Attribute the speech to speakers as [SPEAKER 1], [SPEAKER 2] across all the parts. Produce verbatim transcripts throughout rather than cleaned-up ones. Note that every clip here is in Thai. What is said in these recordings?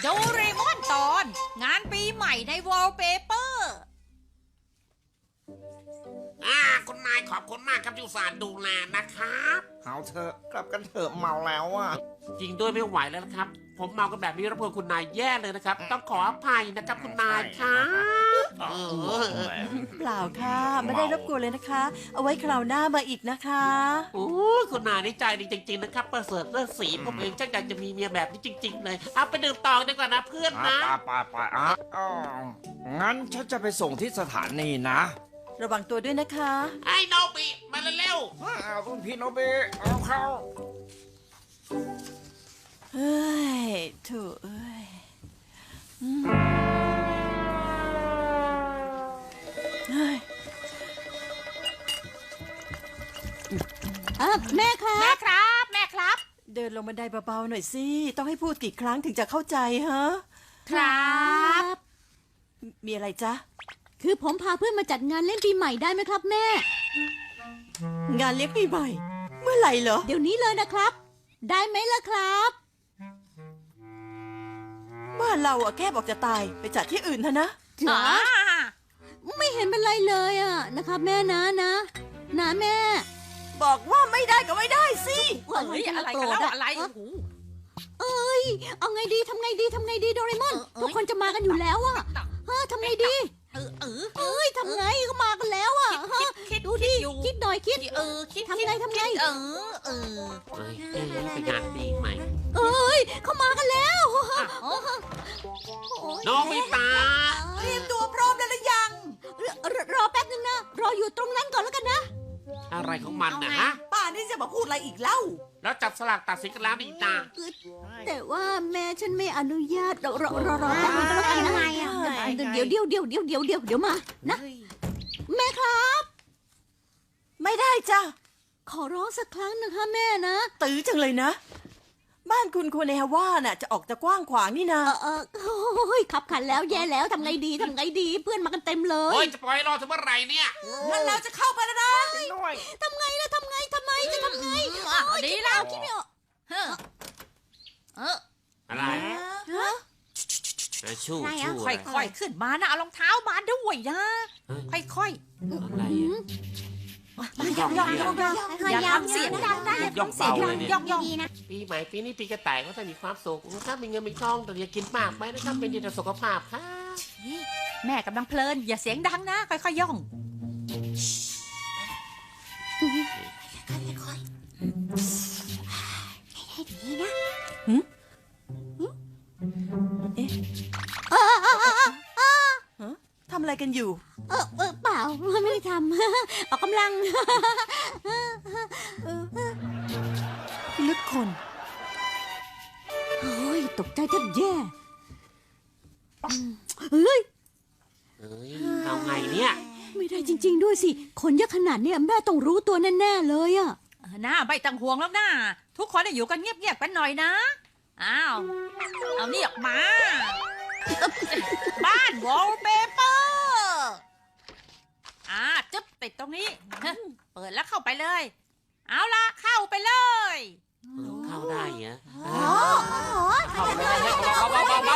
[SPEAKER 1] โดเรมอนตอนงานปีใหม่ในวอลเปเปอร์
[SPEAKER 2] อ่าคุณนายขอบคุณมากครับที่อุตส่าห์ดูแลนะครับ
[SPEAKER 3] เอาเถอะกลับกันเถอะเมาแล้วอ่ะ
[SPEAKER 2] จริงด้วยไม่ไหวแล้วนะครับ ผมเมากันแบบนี้รบกวนคุณนายแย่เลยนะครับ ต้องขออภัยนะครับคุณนายครับเออ
[SPEAKER 4] เปล่าค่ะไม่ได้รบกวนเลยนะคะ เอาไว้คราวหน้ามาอีกนะคะ
[SPEAKER 2] โอ้คุณนายนี่ใจดีจริงๆนะครับประเสริฐเรื่องสีผมเองช่างอยากจะมีเมียแบบนี้จริง ๆ เลยเอาไปดื่มต่อดีกว่านะเพื่อนนะ
[SPEAKER 3] ไปไปไปอ่ะอ๋องั้นฉันจะไปส่งที่สถานีนะ
[SPEAKER 4] ระวังตัวด้วยนะคะ
[SPEAKER 2] ไอ้โนบิมาเร็ว
[SPEAKER 3] อ้าวรุ่นพี่โนเบะเอาเข้า
[SPEAKER 4] เฮ้ยโถูเอ้ยอืมเฮ้ย
[SPEAKER 5] อ่ะแม่ครั
[SPEAKER 1] แม่
[SPEAKER 5] บ
[SPEAKER 1] ครับ แม่ครับ
[SPEAKER 4] เดินลงบันไดเบาๆหน่อยสิ ต้องให้พูดกี่ครั้งถึงจะเข้าใจฮะ
[SPEAKER 1] ครับ
[SPEAKER 4] มีอะไรจ๊ะ
[SPEAKER 5] คือผมพาเพื่อนมาจัดงานเล่นปีใหม่ได้ไหมครับแม่
[SPEAKER 4] งานเลี้ยงปีใหม่ เมื่อไหร่เหรอ
[SPEAKER 5] เดี๋ยวนี้เลยนะครับ ได้ไหมล่ะครับ
[SPEAKER 4] บ้านเราอะแค่บอกจะตายไปจัดที่อื่นเถอะนะ
[SPEAKER 1] อ๋อ
[SPEAKER 5] ไม่เห็นเป็นไรเลยอ่ะนะครับ แม่นะนะนะแม่
[SPEAKER 4] บอกว่าไม่ได้ก็ไม่ได้สิ
[SPEAKER 1] เฮ้ยอะไรกันแล้วอะไรโอ้โห
[SPEAKER 5] เอ้ยเอาไงดีทำไงดีทำไงดีโดเรมอน
[SPEAKER 1] เอ้ย
[SPEAKER 5] ทุกคนจะมากันอยู่แล้วอ่ะฮะทำไงดี
[SPEAKER 1] เออเออ
[SPEAKER 5] เอ้ยทำไงก็มากันแล้วอ่ะฮะ
[SPEAKER 1] คิดคิด
[SPEAKER 5] ดูดิ
[SPEAKER 1] อยู่
[SPEAKER 5] คิดหน่อยคิด
[SPEAKER 1] เออคิด
[SPEAKER 5] ทำไงทำไง
[SPEAKER 1] เออเออ
[SPEAKER 2] ๆเฮ้ยเอ้ยเป็นงานปีใหม่
[SPEAKER 5] เอ้ยเขามากันแล้ว
[SPEAKER 1] อ๋อ
[SPEAKER 2] โนบิตะ
[SPEAKER 4] เตรียมตัวพร้อมแล้วหรือยัง
[SPEAKER 5] รรรอแป๊บนึงนะรออยู่ตรงนั้นก่อนแล้วกันนะ
[SPEAKER 2] อะไรของมันนะฮะ
[SPEAKER 4] ป้านี่จะมาพูดอะไรอีกเล่า
[SPEAKER 2] แล้วจับสลากตัดสินกันแล้วนี่นา
[SPEAKER 5] แต่ว่าแม่ฉันไม่อนุญาตรอรอรอรอแป๊บนึงก็แล้วกันนะ
[SPEAKER 4] ทำไมอ่ะ
[SPEAKER 5] เดี๋ยวเดี๋ยวเดี๋ยวเดี๋ยวเดี๋ยวเดี๋ยวเดี๋ยวมานะแม่ครับ
[SPEAKER 4] ไม่ได้จ้ะ
[SPEAKER 5] ขอร้องสักครั้งนะคะแม่นะ
[SPEAKER 4] ตื้อจังเลยนะ บ้านคุณโคเนฮาว่าน่ะจะออกจะกว้างขวางนี่นะ
[SPEAKER 5] เออเออโอ้ยขับขันแล้วแย่แล้วทำไงดีทำไงดีเพื่อนมากันเต็มเล
[SPEAKER 2] โอ้
[SPEAKER 5] ย
[SPEAKER 2] ยจะปล่อยรอถึงเมื่อไหร่เนี่ย
[SPEAKER 4] งั้นเราจะเข้าไปแล้วนะ
[SPEAKER 5] ทำไงล่ะทำไงทำไมจะทำไง
[SPEAKER 1] อ่ะ
[SPEAKER 5] โอ๊ย
[SPEAKER 1] ดี
[SPEAKER 5] คิด
[SPEAKER 1] แล้
[SPEAKER 5] แล้ว วคิดไม่ออก
[SPEAKER 1] เฮ้อเออ
[SPEAKER 2] อะไร
[SPEAKER 5] ฮะ
[SPEAKER 2] ชู้
[SPEAKER 5] อะไรอ่ะ
[SPEAKER 2] ชู้
[SPEAKER 1] ค่
[SPEAKER 2] อะไร
[SPEAKER 1] อยๆขึ้นมานะเอารองเท้ามาด้วยนะ ค่อย
[SPEAKER 2] อะไรอ่ะ
[SPEAKER 1] ๆย่องย่องย่องย่องอย่าทำเสียงดังนะอย่า
[SPEAKER 2] ย่อง
[SPEAKER 1] ทำเสียง
[SPEAKER 2] เบา
[SPEAKER 1] ดั
[SPEAKER 2] เล
[SPEAKER 1] ง
[SPEAKER 2] ยเนี่ย
[SPEAKER 1] ย่องย่อง
[SPEAKER 2] ปีใหม่ปีนี้ปีกระต่ายก็จะมีความสุขถ้ามีเงินมีทองแต่อย่ากินมากไปนะครับเป็นดีต่อสุขภาพครับ
[SPEAKER 1] แม่กำลังเพลิน อย่าเสียงดังนะ ค่อยๆย่อง
[SPEAKER 4] ทำอะไรกันอยู่
[SPEAKER 5] เออเออเปล่าไม่ได้ทำ ออกกำลัง
[SPEAKER 4] ลึกคน
[SPEAKER 5] โอ้ยตกใจแทบแย่เฮ้ย
[SPEAKER 2] เอ้ยเอาไงเนี่ย
[SPEAKER 5] ไม่ได้จริง ๆ ด้วยสิ คนเยอะขนาดเนี้ยแม่ต้องรู้ตัวแน่ ๆ เลยอะ
[SPEAKER 1] หน้าไม่ต้องห่วงแล้วนะทุกคนอยู่กันเงียบๆกันหน่อยนะ อ้าว เอานี่ออกมา บ้านวอลเปเปอร์อ่าจึ๊บติดตรงนี้ฮะเปิดแล้วเข้าไปเลย เอาละเข้าไปเลย
[SPEAKER 2] เข้าได้เหรอ
[SPEAKER 5] อ๋อ
[SPEAKER 2] เข้าไปเลยเบาเบาเบาเบา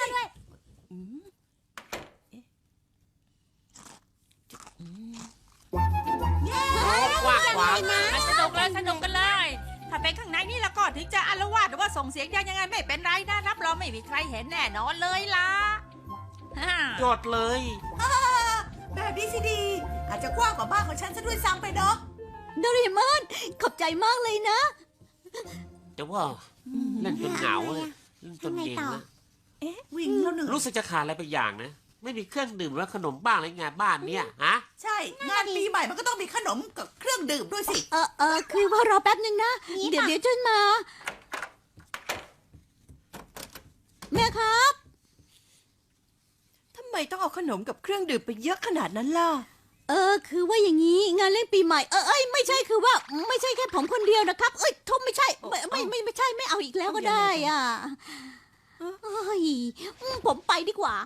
[SPEAKER 2] กว้างขวาง
[SPEAKER 1] อ่ะสนุกเลยสนุกกันเลย ถ้าเป็นข้างในนี่แล้วก็ถึงจะอารวาสหรือว่าส่งเสียงดังยังไงไม่เป็นไรนะรับรองไม่มีใครเห็นแน่นอนเลยล่ะฮ่า
[SPEAKER 2] จดเลย
[SPEAKER 4] แบบนี้สิดี อาจจะกว้างกว่าบ้านของฉันซะด้วยซ้ำไปเนาะ
[SPEAKER 5] โดเรมอนขอบใจมากเลยนะ
[SPEAKER 2] แต่ว่าเล่นจนเหงาเลยเล่นจนเย็นนะ
[SPEAKER 4] วิ่งแล้วหนึ่ง
[SPEAKER 2] รู้สึกจะขาดอะไรไปอย่างนะ ไม่มีเครื่องดื่มหรือว่าขนมบ้างอะไรไงบ้านเนี่ยฮะ
[SPEAKER 4] ใช่ งานปีใหม่มันก็ต้องมีขนมกับเครื่องดื่มด้วยสิ
[SPEAKER 5] เออเออคือว่ารอแป๊บนึงนะ เดี๋ยวเดี๋ยวจนมา แม่ครับ
[SPEAKER 4] ทำไมต้องเอาขนมกับเครื่องดื่มไปเยอะขนาดนั้นล่ะ
[SPEAKER 5] เออคือว่าอย่างนี้งานเล่นปีใหม่เออเอ้ยไม่ใช่คือว่า ไม่ใช่แค่ผมคนเดียวนะครับ เอ้ยทุบไม่ใช่ไม่ไม่ไม่ไม่ใช่ไม่เอาอีกแล้วก็ได้อ่ะเอ้ยผมไปดีกว่า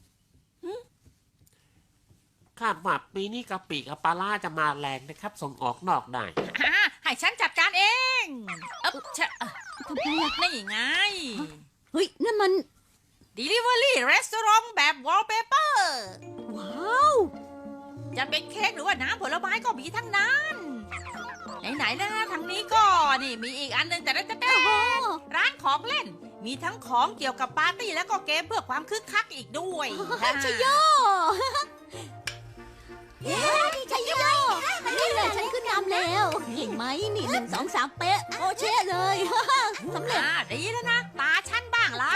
[SPEAKER 2] คาดว่าปีนี้กะปิกับปลาล่าจะมาแรงนะครับ ส่งออกนอกได้
[SPEAKER 1] อ่าให้ฉันจัดการเองเอ๊บชะ
[SPEAKER 5] ทำไมอ่ะ
[SPEAKER 1] นี่ไง
[SPEAKER 5] เฮ้ยนั่นมัน
[SPEAKER 1] Delivery Restaurant แบบ Wallpaper
[SPEAKER 5] ว้าว
[SPEAKER 1] จะเป็นเค้กหรือว่าน้ำผลไม้ก็มีทั้งนั้น ไหนๆแล้วนะทางนี้ก็นี่มีอีกอันหนึงแต่ละจะ
[SPEAKER 5] โอ้โห
[SPEAKER 1] ร้านของเล่น มีทั้งของเกี่ยวกับปาร์ตี้แล้วก็เกมเพื่อความคึกคักอีกด้วย
[SPEAKER 5] ชโยเย้ชโยนี่แหละฉันขึ้นนำแล้วเก่งไหมนี่หนึ่งสองสามเป๊ะโอเชะเลย สำเร็จ
[SPEAKER 1] อ่าดีแล้วนะ ตาฉันบ้างละ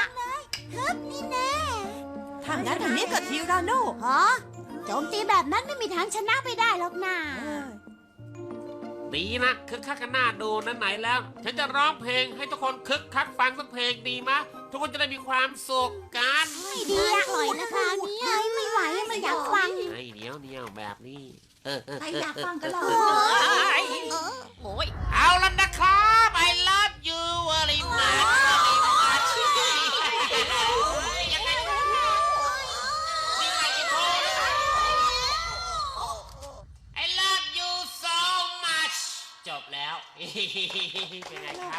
[SPEAKER 4] ถ้างั้นทางนี้ก็ทีราโน่
[SPEAKER 5] ฮะโจมตีแบบนั้นไม่มีทางชนะไปได้หรอกนะ
[SPEAKER 2] ดีนะคึกคักกันหน้าดูนั่นไหนแล้ว ฉันจะร้องเพลงให้ทุกคนคึกคักฟังสักเพลงดีมะทุกคนจะได้มีความสุขกัน
[SPEAKER 5] ไม่ดีอะปล่อยนะคะเนี่ยไม่ไหวไม่อยากฟัง
[SPEAKER 2] ไอ้เหนียวเหนียวแบบนี้เออเออ
[SPEAKER 4] ใคร
[SPEAKER 2] เออ
[SPEAKER 4] อยาก
[SPEAKER 2] เออ
[SPEAKER 4] ฟังกันล่ะ
[SPEAKER 1] เอ้ยโอ้ย
[SPEAKER 2] เอาละนะครับ I love you very much very much ยังไงนี่ไงอินโทรนะครับ I love you so much จบแล้ว เป็นไงครับ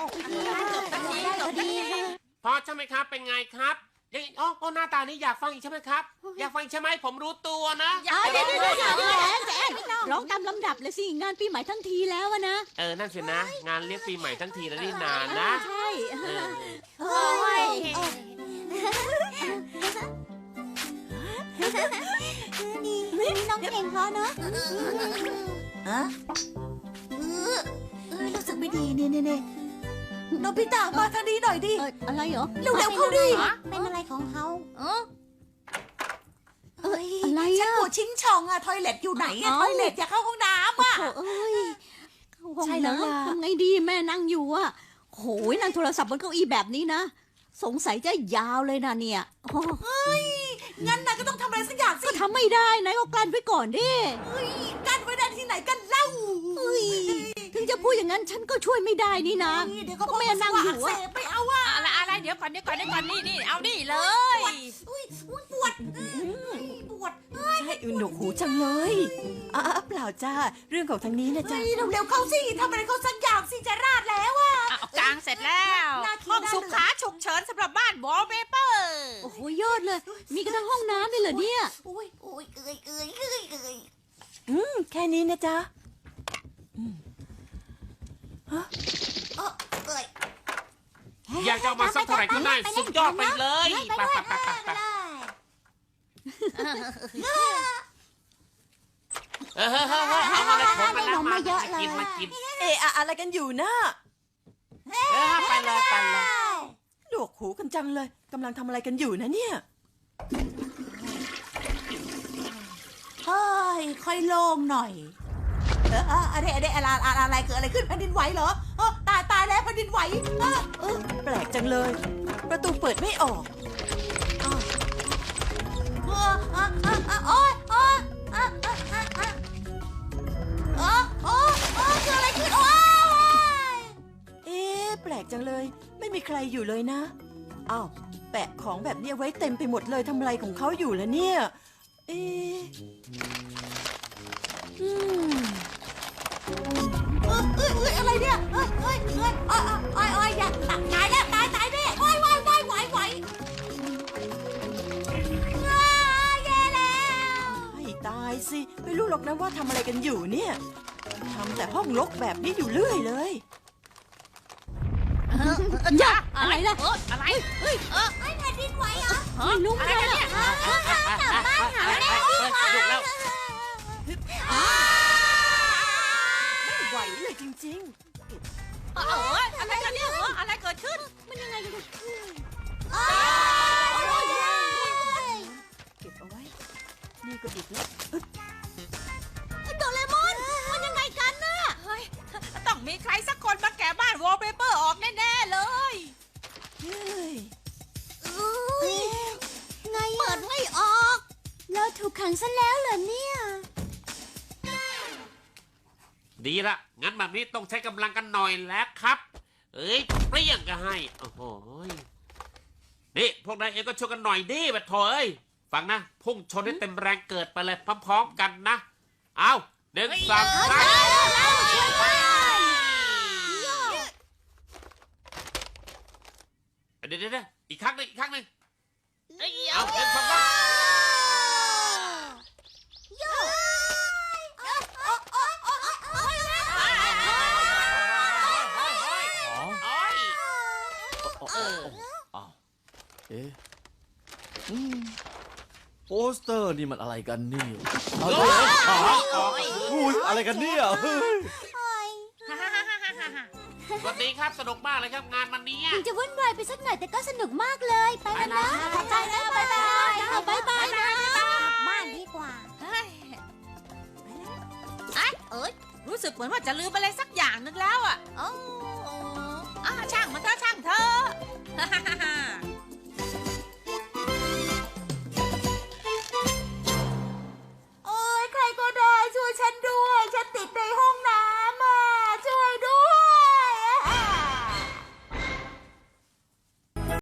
[SPEAKER 2] พอใช่ไหมครับ เป็นไงครับยังอ๋อโอ้หน้าตานี้อยากฟังอีกใช่ไหมครับ อยากฟังอีกใช่ไหมผมรู้ตัวนะ
[SPEAKER 1] อย่า
[SPEAKER 5] เดี๋ยว
[SPEAKER 1] ไป
[SPEAKER 5] เดี๋ยว
[SPEAKER 1] เล
[SPEAKER 5] เดี๋ยวย เดี๋ยวแอนแอนร้องตามลำดับเลยสิงานปีใหม่ทั้งทีแล้วอะนะ
[SPEAKER 2] เออ นั่นสินะ งานเลี้ยงปีใหม่ทั้งทีแล้วนี่นานนะ
[SPEAKER 5] ใช่
[SPEAKER 2] เออ
[SPEAKER 5] โอ้ยนี่นี่น้องเก่งเขาเนอะ
[SPEAKER 4] ฮะเออเออรู้สึกไม่ดีเนี่ยเนี่ยเนี่ยโนบิตะมาทางนี้หน่อยดิ
[SPEAKER 5] เอ่ออะไรเหรอ
[SPEAKER 4] เร็วๆเข้าดิ
[SPEAKER 5] เป็นอะไรของเขา
[SPEAKER 1] เออ
[SPEAKER 4] เอ้ย
[SPEAKER 5] อะไร
[SPEAKER 4] ฉัน
[SPEAKER 5] อะ
[SPEAKER 4] ปวดชิงช่องอะทอยเล็ตอยู่ไหนอะ
[SPEAKER 5] เอ้า
[SPEAKER 4] ทอยเล็ตอยากเข้าห้องน้ำอะ
[SPEAKER 5] โอ้เอ้ยเข้าห้อง
[SPEAKER 4] ใช่แล้วล่ะ
[SPEAKER 5] น้ำทำไงดีแม่นั่งอยู่อะโหยนั่งโทรศัพท์บนเก้าอี้แบบนี้นะ สงสัยจะยาวเลยนะเนี่ยโอ้
[SPEAKER 4] งั้นนายก็ต้องทำอะไรสักอย่างสิ
[SPEAKER 5] ก็ทำไม่ได้นะก็กลั้นไว้ก่อนดิ
[SPEAKER 4] เฮ้ยกั้นไว้ได้ที่ไหนกันเล่า
[SPEAKER 5] เฮ้ยถึงจะพูดอย่างนั้นฉันก็ช่วยไม่ได้นี่นะ
[SPEAKER 4] เฮ้ยเดี๋ยวก็
[SPEAKER 5] ก็แม่นั่งอยู่
[SPEAKER 4] เส
[SPEAKER 5] อะ
[SPEAKER 4] พไปเอาอะ
[SPEAKER 1] อะไรอะไรเดี๋ยวก่อนเดี๋ยวก่อนเดี๋ยวก่อนนี่นี่เอานี่เลย
[SPEAKER 4] อุ้ยอุ้ยปวดเอ้ยปวดใช่หนวกหูจังเลยอ่าเปล่าจ้าเรื่องของทางนี้นะจ้าเร็วๆเข้าสิทำอะไรเขาสักอย่างสิจะราดแล้วอะ
[SPEAKER 1] เอากลางเสร็จแล้ว
[SPEAKER 4] น่าคิด
[SPEAKER 1] ห้อง
[SPEAKER 4] น่า
[SPEAKER 1] สุขาฉุกเฉินสำหรับบ้าน Wallpaper
[SPEAKER 5] โอ้โหยอดเลย มีกระทั่งห้องน้ำเลยเหรอเนี่ย
[SPEAKER 4] อุ้ยอุ้ยเอ้ยเอ้ยเอ้ยเอ้ยอืมแค่นี้นะจ๊ะอืมฮะเออเอ้ย
[SPEAKER 2] อยากจะเอามาสักเท่าไหร่ก็ได้สุดยอดไปเลยไปไปไปไปไปเออเฮ้ยเฮ้ยเฮ้ยเอามาเลยผมมาแล้วมากินมากิน
[SPEAKER 4] เอะอะอะไรกันอยู่นะ
[SPEAKER 2] เออไปเลยไปเลย
[SPEAKER 4] หนวกหูกันจังเลยกำลังทำอะไรกันอยู่นะเนี่ยเฮ้ยค่อยโล่งหน่อยเออเอออะไรอะไรอะไรอะไรอะไรเกิดอะไรขึ้นแผ่นดินไหวเหรอเออตายตายแล้วแผ่นดินไหวเออเออแปลกจังเลย ประตูเปิดไม่ออกอ้าวเออเออเออเออโอ๊ยโอ๊ยเออเออเออเออเออโอ๊ยโอ๊ยเกิดอะไรขึ้นโอ๊ยเอ๊ะแปลกจังเลย ไม่มีใครอยู่เลยนะอ้าวแปะของแบบนี้ไว้เต็มไปหมดเลยทำอะไรของเขาอยู่แล้วเนี่ยเอ๊ะอืมเอ้ยเอ้ยเอ้ยอะไรเนี่ยเอ้ยเอ้ยเอ้ยอ้อยอ้อยอ้อยอย่าตายแล้วตายตายแน่โอ้ยไหวไหวไหวไหวอ้าแย่แล้วให้ตายสิไม่รู้หรอกนะว่าทำอะไรกันอยู่เนี่ยทำแต่ห้องรกแบบนี้อยู่เรื่อยเลย
[SPEAKER 5] อย่าอะไรล่ะ
[SPEAKER 1] เอออะไรเฮ้ยเออ
[SPEAKER 5] ไม่แผ่นดินไหวเหรอ
[SPEAKER 1] เฮ้ย
[SPEAKER 5] ไม่รู้
[SPEAKER 1] อะไรกันเนี่ย
[SPEAKER 2] ถูกแล้ว
[SPEAKER 4] ไม่ไหวเลยจริง
[SPEAKER 1] เอออะไรกันเนี่ยเอออะไรเกิดขึ้น
[SPEAKER 5] มันยังไงกัน
[SPEAKER 4] ๆ เก็บเอาไว้ นี่ก็อีกแล้ว
[SPEAKER 5] โดเรมอนมันยังไงกันน่ะ
[SPEAKER 1] เฮ้ยต้องมีใครสักคนมาแกะบ้าน Wallpaper ออกแน่ๆเลย
[SPEAKER 4] เฮ้ย
[SPEAKER 5] ไงเปิดไม่ออกเราถูกขังซะแล้วเหรอเนี่ย
[SPEAKER 2] ดีละงั้นแบบนี้ต้องใช้กำลังกันหน่อยแล้วครับ เอ้ยเปรี้ยงก็ให้โอ้โหนี่พวกนายเองก็ช่วยกันหน่อยดิบัดโถเอ้ยฟังนะพุ่งชนให้เต็มแรงเกิดไปเลยพร้อมๆกันนะเอาหนึ่งสองสามเดี๋ยวเดี๋ยวอีกครั้งหนึ่งอีกครั้งหนึ่ง
[SPEAKER 1] เอ้ย
[SPEAKER 2] เอา
[SPEAKER 1] เอา
[SPEAKER 2] เงินสองพัน
[SPEAKER 5] โย่
[SPEAKER 3] อ๋อ
[SPEAKER 2] โอ้ย
[SPEAKER 3] เอออ้าวเอ๊ะอืมโปสเตอร์นี่มันอะไรกันเนี่ยเอาเดี๋ยวอ๋ออุ้ยอะไรกันเนี่ยเฮ้ย
[SPEAKER 2] สวัสดีครับสนุกมากเลยครับงานวันนี้
[SPEAKER 5] ถึงจะวุ่นวายไปสักหน่อยแต่ก็สนุกมากเลย ไปกันนะ
[SPEAKER 4] ขอบใจนะบ๊ายบาย
[SPEAKER 5] เอาบายบายนะ
[SPEAKER 4] บ้านดีกว่า
[SPEAKER 1] เฮ้ยไอ้เอ้ยรู้สึกเหมือนว่าจะลืมอะไรสักอย่างนึงแล้วอ่ะ
[SPEAKER 4] โอ้
[SPEAKER 1] อ่าช่างมันเถอะช่างเถอะ